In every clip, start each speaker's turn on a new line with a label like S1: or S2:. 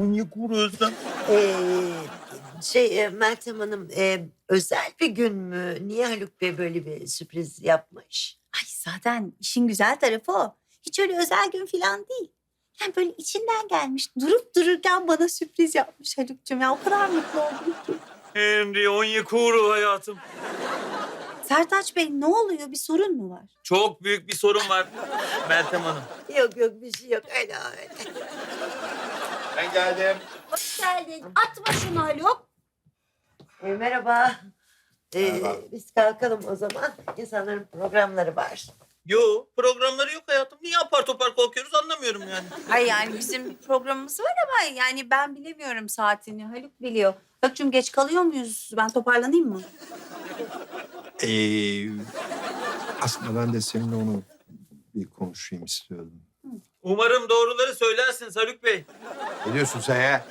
S1: Onyekuru Özlem.
S2: Meltem Hanım, özel bir gün mü? Niye Haluk Bey böyle bir sürpriz yapmış?
S3: Ay zaten işin güzel tarafı o. Hiç öyle özel gün falan değil. Yani böyle içinden gelmiş. Durup dururken bana sürpriz yapmış Haluk'cum. Ya o kadar mutlu oldum ki.
S1: Emri Onyekuru hayatım.
S3: Sertaç Bey ne oluyor? Bir sorun mu var?
S1: Çok büyük bir sorun var Meltem Hanım.
S2: Yok bir şey yok, öyle öyle.
S1: Ben geldim.
S3: Hoş geldin. Atma şunu Haluk.
S2: Merhaba.
S1: Merhaba.
S2: Biz kalkalım o zaman. İnsanların programları var.
S1: Yo, programları yok hayatım. Niye apar topar kalkıyoruz anlamıyorum yani.
S3: Hayır yani bizim bir programımız var ama yani ben bilemiyorum saatini. Haluk biliyor. Haluk'cum geç kalıyor muyuz? Ben toparlanayım mı?
S4: Aslında ben de seninle onu bir konuşayım istiyordum.
S1: Umarım doğruları söylersiniz Haluk Bey.
S4: Ne diyorsun sen ya?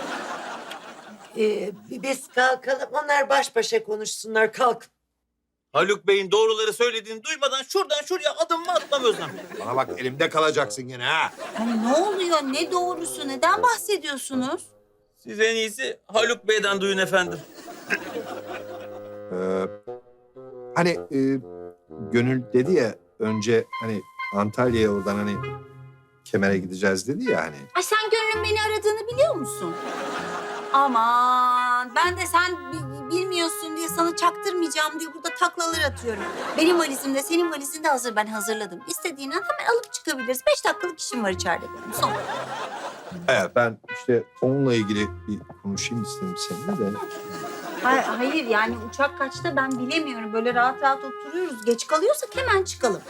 S2: Biz kalkalım, onlar baş başa konuşsunlar. Kalk.
S1: Haluk Bey'in doğruları söylediğini duymadan şuradan şuraya adım mı atmam Özlem?
S4: Bana bak elimde kalacaksın yine ha.
S3: Yani ne oluyor? Ne doğrusu? Neden bahsediyorsunuz?
S1: Siz en iyisi Haluk Bey'den duyun efendim.
S4: Hani Gönül dedi ya önce hani Antalya'ya oradan hani Kemer'e gideceğiz dedi ya hani.
S3: Ay sen Gönül'ün beni aradığını biliyor musun? Aman ben de sen bilmiyorsun diye sana çaktırmayacağım diye burada taklalar atıyorum. Benim valizim de senin valizin de hazır. Ben hazırladım. İstediğin an hemen alıp çıkabiliriz. 5 dakikalık işim var içeride benim. Son.
S4: Evet ben işte onunla ilgili bir konuşayım istedim seninle de.
S3: Hayır yani uçak kaçta ben bilemiyorum. Böyle rahat rahat oturuyoruz. Geç kalıyorsak hemen çıkalım.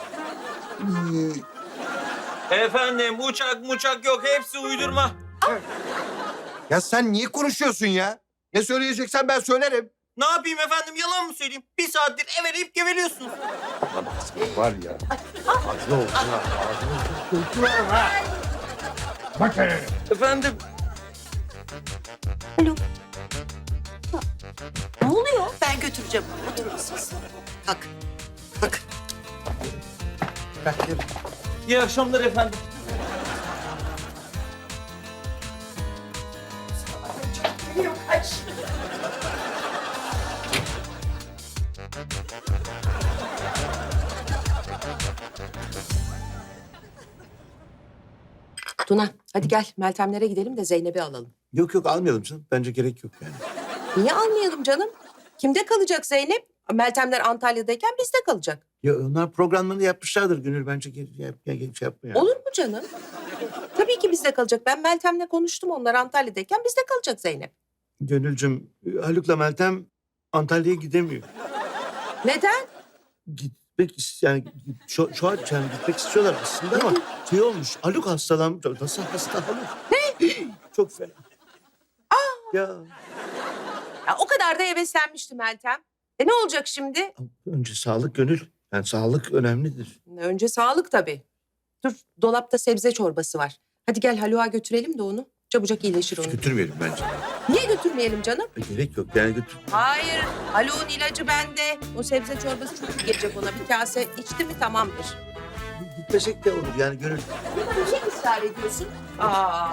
S1: Efendim uçak yok hepsi uydurma.
S4: Ya sen niye konuşuyorsun ya? Ne söyleyeceksen ben söylerim.
S1: Ne yapayım efendim yalan mı söyleyeyim? Bir saattir eveleyip geveliyorsunuz.
S4: Var ya. Ağzına olsun ha. Ağzına olsun. Ha. Bak hele.
S1: Efendim
S3: Alo. Ne oluyor?
S2: Ben götüreceğim. Oturun siz. Kalk. Kalk.
S1: iyi akşamlar efendim.
S2: Yok, kaç.
S5: Tuna hadi gel Meltemlere gidelim de Zeynep'i alalım.
S6: Yok almayalım canım. Bence gerek yok yani.
S5: Niye almayalım canım? Kimde kalacak Zeynep? Meltemler Antalya'dayken bizde kalacak.
S6: Ya onlar programlarını yapmışlardır Gönül. Bence şey yapma yani.
S5: Olur mu canım? Tabii ki bizde kalacak. Ben Meltem'le konuştum, onlar Antalya'dayken bizde kalacak Zeynep.
S6: Gönülcüm, Haluk'la Meltem Antalya'ya gidemiyor.
S5: Neden?
S6: Yani şu an yani gitmek istiyorlar aslında ama şey olmuş. Haluk hastalanmış. Nasıl hasta Haluk? Ne? Çok fena. Ya
S5: Ya, o kadar da heveslenmişti Meltem. Ne olacak şimdi?
S6: önce sağlık Gönül. Yani sağlık önemlidir.
S5: Önce sağlık tabii. Dur, dolapta sebze çorbası var. Hadi gel Haluk'a götürelim de onu. Çabucak iyileşir
S6: Hiç
S5: onu.
S6: götürmeyelim bence.
S5: Niye götürmeyelim canım?
S6: Gerek yok yani götür.
S5: Hayır, Haluk'un ilacı bende. O sebze çorbası çok iyi gelecek ona. Bir kase içti mi tamamdır.
S6: Gitmesek de olur yani Gönül.
S5: Niye ısrar ediyorsun? Aa.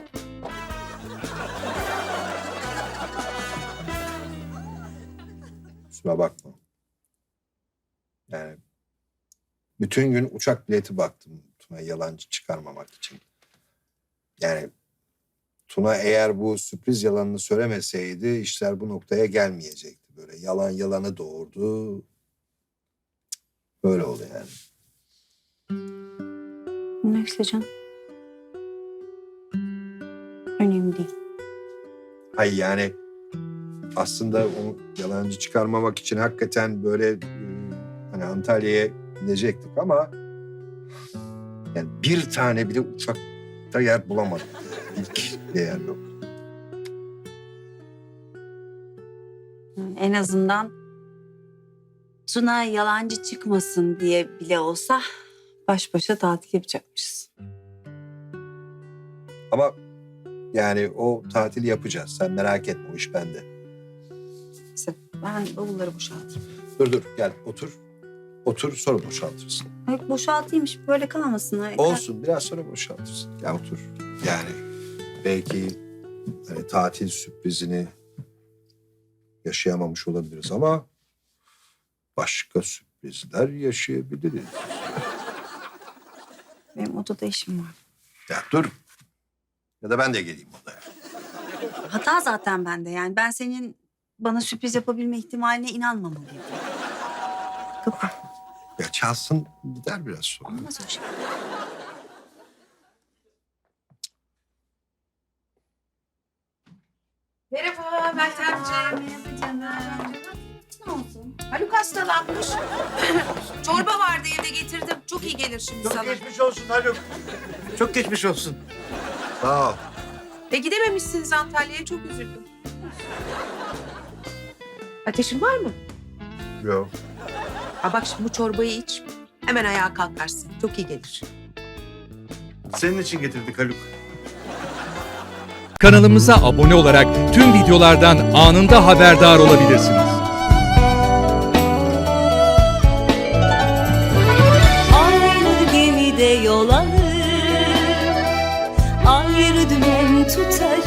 S4: Kusura bakma. Yani bütün gün uçak bileti baktım Tuna yalancı çıkarmamak için. Yani Tuna eğer bu sürpriz yalanını söylemeseydi işler bu noktaya gelmeyecekti. Böyle yalan yalanı doğurdu. Böyle oldu yani.
S3: Neyse canım. Önemli değil.
S4: Hayır yani aslında onu yalancı çıkarmamak için hakikaten böyle hani Antalya'ya gidecektik ama yani bir tane bile uçakta yer bulamadık. İlk yer yok.
S3: En azından Tuna yalancı çıkmasın diye bile olsa baş başa tatil yapacakmışız.
S4: Ama yani o tatili yapacağız. Sen merak etme o iş bende.
S3: Neyse ben bavulları boşaltayım.
S4: Dur gel otur. Otur sonra boşaltırsın.
S3: Ay, boşaltayım böyle kalmasın.
S4: Olsun biraz sonra boşaltırsın. Gel otur. Yani belki hani tatil sürprizini yaşayamamış olabiliriz ama başka sürprizler yaşayabiliriz.
S3: Benim odada işim var.
S4: Ya dur. Ya da ben de geleyim odaya.
S3: Hata zaten bende yani. Ben senin bana sürpriz yapabilme ihtimaline inanmamalıyım. Kapı.
S4: Ya çalsın gider biraz sonra.
S3: Olmaz o şey.
S5: Merhaba Meltemciğim.
S3: Merhaba canım. Ne olsun?
S5: Haluk hastalanmış. Çorba vardı evde getirdim. Çok iyi gelir şimdi
S6: Çok
S5: sana.
S6: geçmiş olsun Haluk. Çok geçmiş olsun.
S4: Sağ ol.
S5: Gidememişsiniz Antalya'ya, çok üzüldüm. Ateşin var mı?
S4: Yok.
S5: Ha bak şimdi bu çorbayı iç. Hemen ayağa kalkarsın. Çok iyi gelir.
S6: Senin için getirdik Haluk.
S7: Kanalımıza abone olarak tüm videolardan anında haberdar olabilirsiniz.
S8: Aynı gemide yol alır, ayrı dümen tutarız.